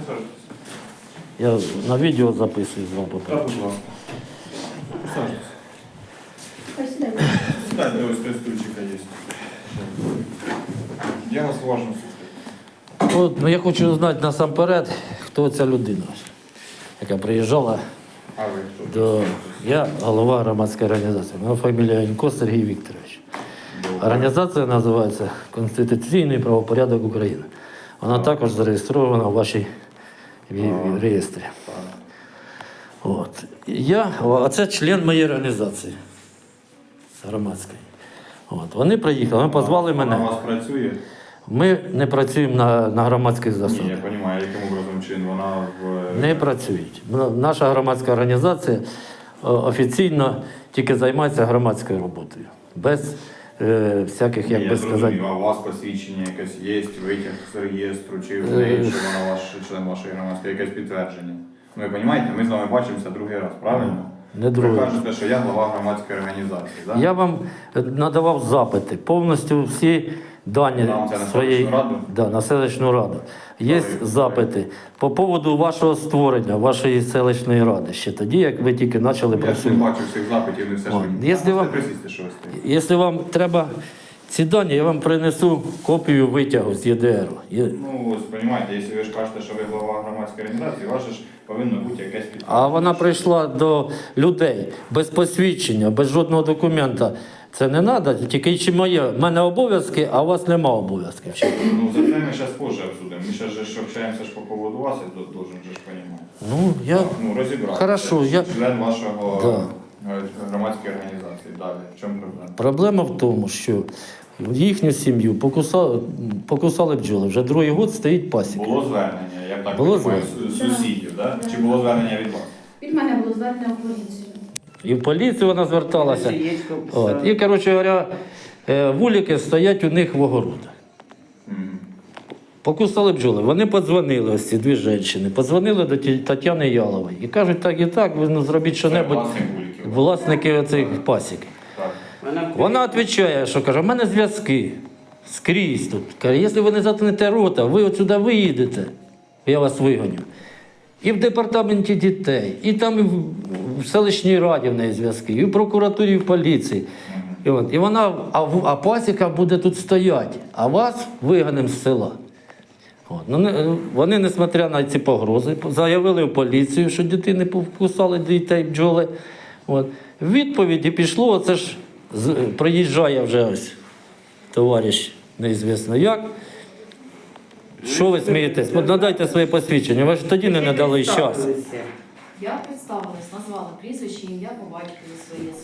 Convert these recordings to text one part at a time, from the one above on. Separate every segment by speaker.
Speaker 1: Я на відео записую з вами.
Speaker 2: Так, будь ласка. Сажитесь. Сідайте, ось три стульчика є. Я вас уважно слухаю.
Speaker 1: От, ну, я хочу знати насамперед, хто ця людина, яка приїжджала.
Speaker 2: А ви хто?
Speaker 1: Я голова громадської організації. Моя фамілія Янько Сергій Вікторович. Організація називається Конституційний правопорядок України. Вона також зареєстрована у вашій реєстрі. От. А це член моєї організації громадської. От. Вони приїхали, вони позвали мене.
Speaker 2: Вона у вас працює?
Speaker 1: Ми не працюємо на громадських засадах.
Speaker 2: Ні, я розумію, яким образом чин вона в...
Speaker 1: Не працюють. Наша громадська організація офіційно тільки займається громадською роботою. Без всяких, як би сказати.
Speaker 2: А у вас посвідчення якесь є, витяг з реєстру, чи в неї, що вона ваш член вашої громадської, якесь підтвердження? Ну, ви розумієте, ми з вами бачимося другий раз, правильно?
Speaker 1: Не другий.
Speaker 2: Ви кажете, що я глава громадської організації, так?
Speaker 1: Я вам надавав запити, повністю всі дані своєї на селищну раду. Є запити по поводу вашого створення, вашої селищної ради. Ще тоді, як ви тільки почали працювати.
Speaker 2: Я не бачу всіх запитів, не все ж мені. Якщо
Speaker 1: вам треба ці дані, я вам принесу копію витягу з ЄДР.
Speaker 2: Ну, ось, розумієте, якщо ви ж кажете, що ви глава громадської організації, ваше ж повинно бути якесь підтвердження.
Speaker 1: А вона прийшла до людей без посвідчення, без жодного документа. Це не треба, тільки чи в мене обов'язки, а у вас нема обов'язків.
Speaker 2: Ну, за це ми зараз позже обсудимо. Ми зараз же общаємося по поводу вас, я должен же ж розуміти. Ну, розібратися.
Speaker 1: Хорошо,
Speaker 2: член вашого громадської організації. Далі. В чому проблема?
Speaker 1: Проблема в тому, що їхню сім'ю покусали бджоли. Вже другий год стоїть пасіка.
Speaker 2: Було звернення, я так розумію, сусідів, да? Чи було звернення від вас?
Speaker 3: Від мене було звернення у поліцію.
Speaker 1: І в поліцію вона зверталася. От. І, коротше говоря, вулики стоять у них в огородах. Покусали бджоли. Вони подзвонили, ось ці дві жінки, подзвонили до Тетяни Ялової. І кажуть, так і так, ви зробіть що-небудь. Власники оцих пасік. Вона відповідає, що каже, в мене зв'язки скрізь тут. Каже, якщо ви не заткнете рота, ви отсюди виїдете, я вас вигоню. І в департаменті дітей, і там і в селищній раді в неї зв'язки, і в прокуратурі, і в поліції. І вона, а пасіка буде тут стояти, а вас вигонимо з села. Вони, несмотря на ці погрози, заявили в поліцію, що дитини покусали дітей бджоли. В відповіді пішло, оце ж приїжджає вже ось товариш, неізвісно як. Що ви смієтесь? Надайте своє посвідчення, ви ж тоді не надали час.
Speaker 3: Я представилась, назвала прізвище, ім'я по батькові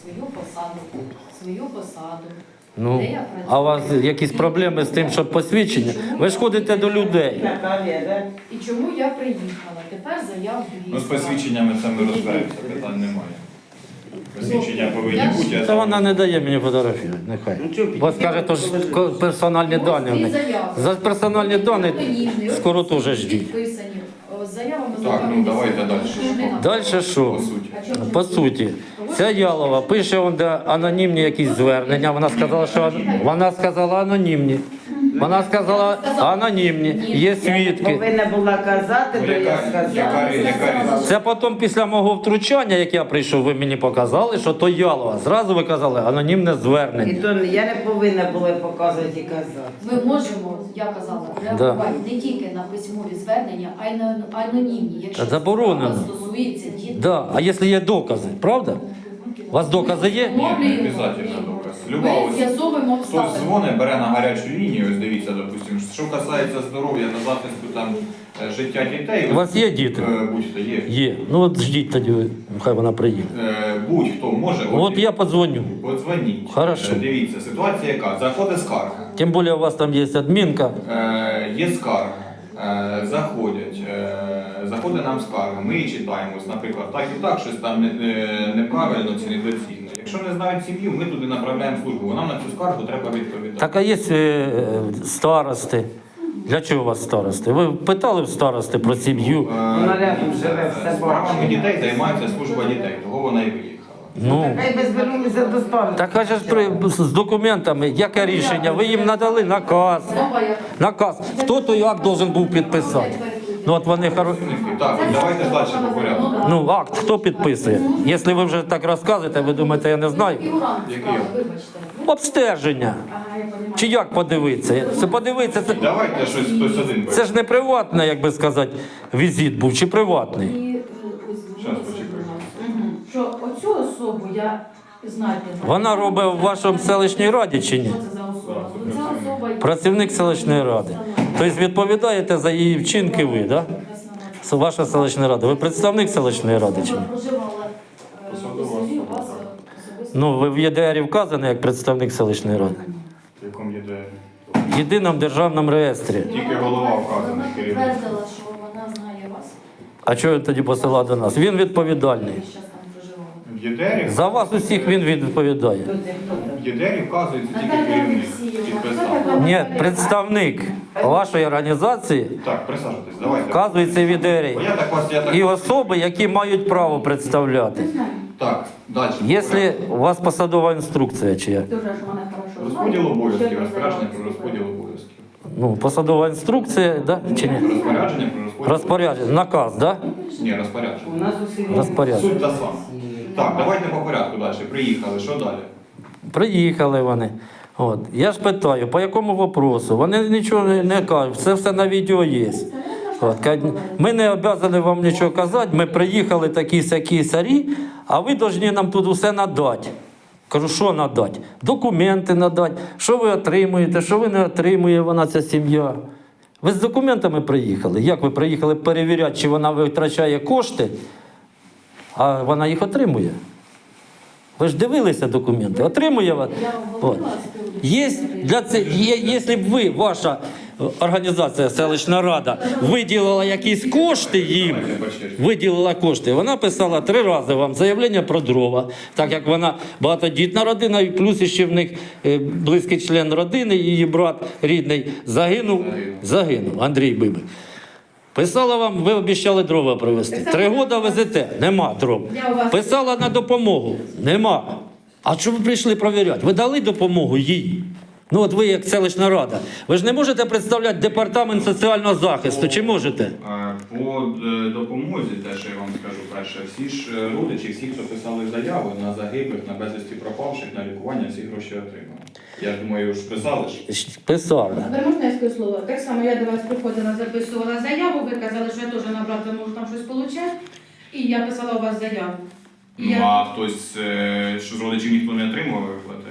Speaker 3: свою посаду.
Speaker 1: Ну, а у вас якісь проблеми з тим, щоб посвідчення? Ви ж ходите до людей.
Speaker 3: І чому я приїхала? Тепер заяву
Speaker 2: Ну, з посвідченнями це ми розберемося, питань немає. Посвідчення повинні бути.
Speaker 1: Та вона не дає мені фотографію, нехай. Вас каже, то ж персональні дані. За персональні дані скоро теж ждіть.
Speaker 2: Так, ну давайте далі.
Speaker 1: Далі що? По суті. Ця Ялова пише анонімні якісь звернення. Вона сказала анонімні. Вона сказала анонімні. Є свідки.
Speaker 4: Повинна була казати, то я сказала.
Speaker 1: Це потім після мого втручання, як я прийшов, ви мені показали, що то Ялова. Зразу ви казали анонімне звернення.
Speaker 4: І то я не повинна була показувати і казати.
Speaker 3: Ми можемо, я казала, реагувати не тільки на письмові звернення, а й на анонімні, якщо справа стосується дітей.
Speaker 1: А якщо є докази, правда? У вас докази є?
Speaker 2: Ні, не обов'язково доказ.
Speaker 3: Ми з'ясовуємо обставини.
Speaker 2: Хтось дзвонить, бере на гарячу лінію, ось дивіться, допустимо, що касається здоров'я та захисту там, життя дітей.
Speaker 1: У вас є діти?
Speaker 2: Будь-хто є.
Speaker 1: Є. Ну от ждіть тоді, хай вона приїде.
Speaker 2: Будь-хто може.
Speaker 1: От я подзвоню.
Speaker 2: Подзвоніть.
Speaker 1: Хорошо.
Speaker 2: Дивіться, ситуація яка? Заходить скарга.
Speaker 1: Тим більше у вас там є адмінка.
Speaker 2: Є скарга. Заходить нам скарга, ми її читаємо, наприклад, так і так, щось там неправильно чи недоцільно. Якщо не знають сім'ю, ми туди направляємо службу, нам на цю скаргу треба відповідати.
Speaker 1: Так, а є старости. Для чого у вас старости? Ви питали в старости про сім'ю?
Speaker 4: Вона рядом живе, все
Speaker 2: Справами
Speaker 4: бачить.
Speaker 2: дітей займається служба дітей, того вона і виїхала.
Speaker 1: Ну,
Speaker 4: Хай би звернулися до старости.
Speaker 1: так каже ж з документами, яке рішення? Ви їм надали наказ. Наказ. Хто той акт должен був підписати? Ну от вони
Speaker 2: Так, давайте далі по порядку.
Speaker 1: Ну, акт хто підписує? Якщо ви вже так розказуєте, ви думаєте, я не знаю.
Speaker 3: Фігурант
Speaker 2: Який?
Speaker 3: справи, вибачте.
Speaker 1: Обстеження. Чи як подивитися? Це подивитися,
Speaker 2: Давайте щось хтось один
Speaker 1: це ж не приватний, як би сказати, візит був, чи приватний?
Speaker 3: І ось
Speaker 2: Щас, почекайте.
Speaker 3: що оцю особу я знаєте.
Speaker 1: Вона робить в вашому селищній раді чи ні?
Speaker 3: Що це за особа? Ну, ця особа
Speaker 1: Працівник селищної ради. Тобто відповідаєте за її вчинки ви, так? Да? Ваша селищна рада. Ви представник селищної ради чи ні?
Speaker 3: проживала у селі, у вас особисто.
Speaker 1: Ну, ви в ЄДРі вказані як представник селищної ради.
Speaker 2: В якому є де?
Speaker 1: В єдиному державному реєстрі.
Speaker 2: Тільки голова вказаний,
Speaker 3: Вона
Speaker 2: керівник.
Speaker 3: підтвердила, що вона знає вас.
Speaker 1: А чого він тоді посилав до нас? Він відповідальний.
Speaker 3: Ви зараз там проживали.
Speaker 2: В ЄДРі?
Speaker 1: За вас усіх він відповідає.
Speaker 2: В ЄДРі вказується тільки
Speaker 3: Наталя
Speaker 2: керівник.
Speaker 3: Олексіївна,
Speaker 2: Підписав.
Speaker 1: Ні, представник вашої організації
Speaker 2: Так, присаджуйтесь, давайте.
Speaker 1: вказується в ЄДРі.
Speaker 2: Бо я так вас, я так...
Speaker 1: І особи, які мають право представляти.
Speaker 2: Так, далі.
Speaker 1: Якщо у вас посадова інструкція чи як?
Speaker 3: Дуже ж вона хорошо
Speaker 2: Розподіл
Speaker 3: знає.
Speaker 2: обов'язків,
Speaker 3: Ще
Speaker 2: розпорядження про
Speaker 3: розподіл.
Speaker 2: розподіл обов'язків.
Speaker 1: Ну, посадова інструкція, да? Чи ні?
Speaker 2: Розпорядження про розподіл.
Speaker 1: Розпорядження, наказ, да?
Speaker 2: Ні, розпорядження.
Speaker 4: У нас у селі
Speaker 1: Розпорядження.
Speaker 2: Суть та сама. Так, давайте по порядку далі. Приїхали, що далі?
Speaker 1: Приїхали вони. От. Я ж питаю, по якому вопросу? Вони нічого не кажуть, це все на відео є. От. Кажуть, ми не обов'язані вам нічого казати, ми приїхали такі-сякі сарі, а ви повинні нам тут усе надати. Кажу, що надати? Документи надати, що ви отримуєте, що ви не отримує вона, ця сім'я. Ви з документами приїхали? Як ви приїхали перевіряти, чи вона витрачає кошти, а вона їх отримує? Ви ж дивилися документи, отримує вона.
Speaker 3: Я вам
Speaker 1: От.
Speaker 3: говорила з приводу
Speaker 1: Є для це, якщо б ви, ваша організація, селищна рада, виділила якісь кошти їм, виділила кошти, вона писала 3 рази вам заявлення про дрова, так як вона багатодітна родина, і плюс ще в них близький член родини, її брат рідний загинув, Андрій Бибик. Писала вам, ви обіцяли дрова привезти. 3 роки везете, нема дров. Писала на допомогу, нема. А чому ви прийшли перевіряти? Ви дали допомогу їй? Ну от ви як селищна рада. Ви ж не можете представляти департамент соціального захисту, чи можете?
Speaker 2: По допомозі, те, що я вам скажу перше, всі ж родичі, всі, хто писали заяви на загиблих, на безвісті пропавших, на лікування, всі гроші отримали. Я ж думаю, ж писали ж.
Speaker 1: Писали.
Speaker 5: Тепер можна я скажу слово? Так само я до вас приходила, записувала заяву, ви казали, що я теж на брата можу там щось отримати, і я писала у вас заяву. І
Speaker 2: Ну, а хтось, що з родичів ніхто не отримував виплати?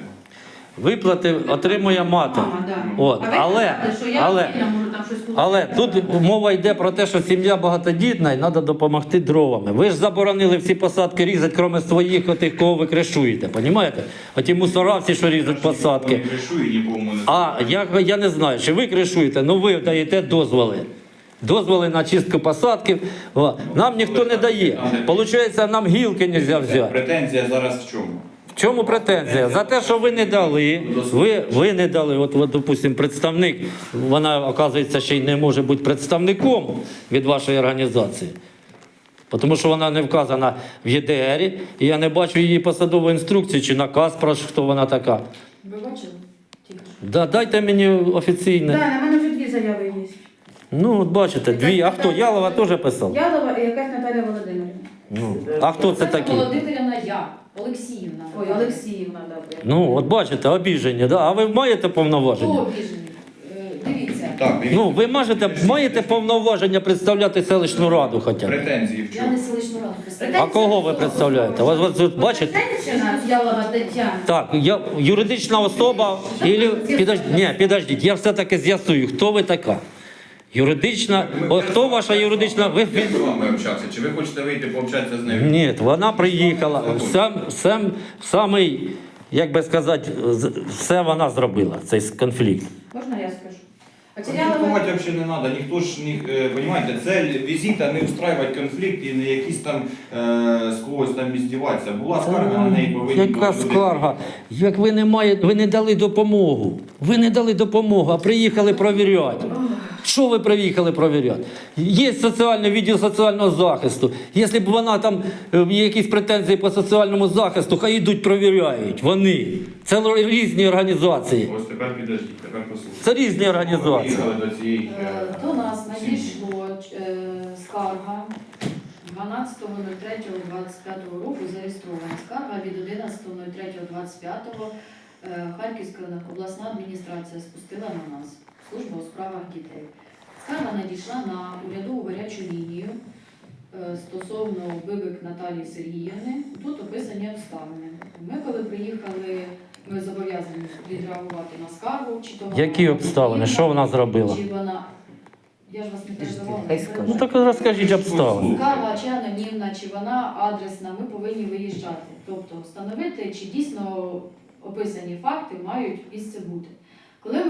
Speaker 1: Виплати отримує мати.
Speaker 5: Мама, да.
Speaker 1: От,
Speaker 5: А ви казали, що я можу там щось
Speaker 1: Але тут мова йде про те, що сім'я багатодітна і треба допомогти дровами. Ви ж заборонили всі посадки різати, крім своїх, отих, кого ви кришуєте, розумієте? Оті мусора всі, що різуть посадки.
Speaker 2: Не кришую, нікому не
Speaker 1: А я не знаю, чи ви кришуєте, ну ви даєте дозволи. Дозволи на чистку посадків. О, нам ніхто не дає. Получається, нам гілки не можна взяти.
Speaker 2: Претензія зараз в чому?
Speaker 1: В чому претензія? За те, що ви не дали, ви не дали, от, допустим, представник, вона, оказується, ще й не може бути представником від вашої організації. Тому що вона не вказана в ЄДРі, і я не бачу її посадової інструкції чи наказ про хто вона така.
Speaker 3: Ви бачили? Тільки що.
Speaker 1: Да, дайте мені офіційне.
Speaker 5: Так, на мене вже 2 заяви є.
Speaker 1: Ну, от бачите, 2. А хто? Ялова теж писав?
Speaker 5: Ялова і якась Наталя Володимирівна.
Speaker 1: Ну, а хто це такі?
Speaker 3: Володимирівна я, Олексіївна.
Speaker 5: Ой, Олексіївна, да.
Speaker 1: Ну, от бачите, обіжені, да? А ви маєте повноваження?
Speaker 3: Хто обіжений? Дивіться,
Speaker 2: Так,
Speaker 1: Ну, ви маєте повноваження представляти селищну раду хоча б.
Speaker 2: претензії в
Speaker 3: я
Speaker 2: чому?
Speaker 3: не селищну раду представляю.
Speaker 1: А кого ви представляєте? Вас тут бачите?
Speaker 5: Ялова Тетяна.
Speaker 1: Так, я юридична особа, підождіть, я все-таки з'ясую, хто ви така. Юридична, хто ваша юридична? Ви...
Speaker 2: Ми з вами общатися, чи ви хочете вийти пообщатися з нею?
Speaker 1: Ні, вона приїхала, самий, як би сказати, все вона зробила, цей конфлікт.
Speaker 5: Можна я скажу?
Speaker 2: Конфліктувати взагалі не треба, ніхто ж, розумієте, цель візита не устраювати конфлікт і не якісь там з когось там іздіватися. Була скарга, на неї повинні
Speaker 1: Яка
Speaker 2: бути люди.
Speaker 1: скарга? Як ви не дали допомогу. Ви не дали допомогу, а приїхали провіряти. Що ви приїхали провіряти? Є соціальний відділ соціального захисту. Якщо б вона там є якісь претензії по соціальному захисту, хай йдуть провіряють. Вони. Це різні організації.
Speaker 2: Ось тепер підождіть, тепер послухайте.
Speaker 1: Це різні організації.
Speaker 2: Приїхали до цієї
Speaker 3: До нас надійшло скарга 12.03.25 року зареєстрована. Скарга від 11.03.25 Харківська обласна адміністрація спустила на нас, служба у справах дітей. Скарга надійшла на урядову гарячу лінію стосовно Бибик Наталії Сергіївни. Тут описані обставини. Ми коли приїхали, ми зобов'язані відреагувати на скаргу. Чи то вона
Speaker 1: Які обставини? Що вона зробила?
Speaker 3: Чи вона... Я ж вас не перебивала.
Speaker 4: Хай скаже.
Speaker 1: Ну так розкажіть обставини.
Speaker 3: Скарга чи анонімна, чи вона адресна, ми повинні виїжджати. Тобто встановити, чи дійсно описані факти мають місце бути. Коли ми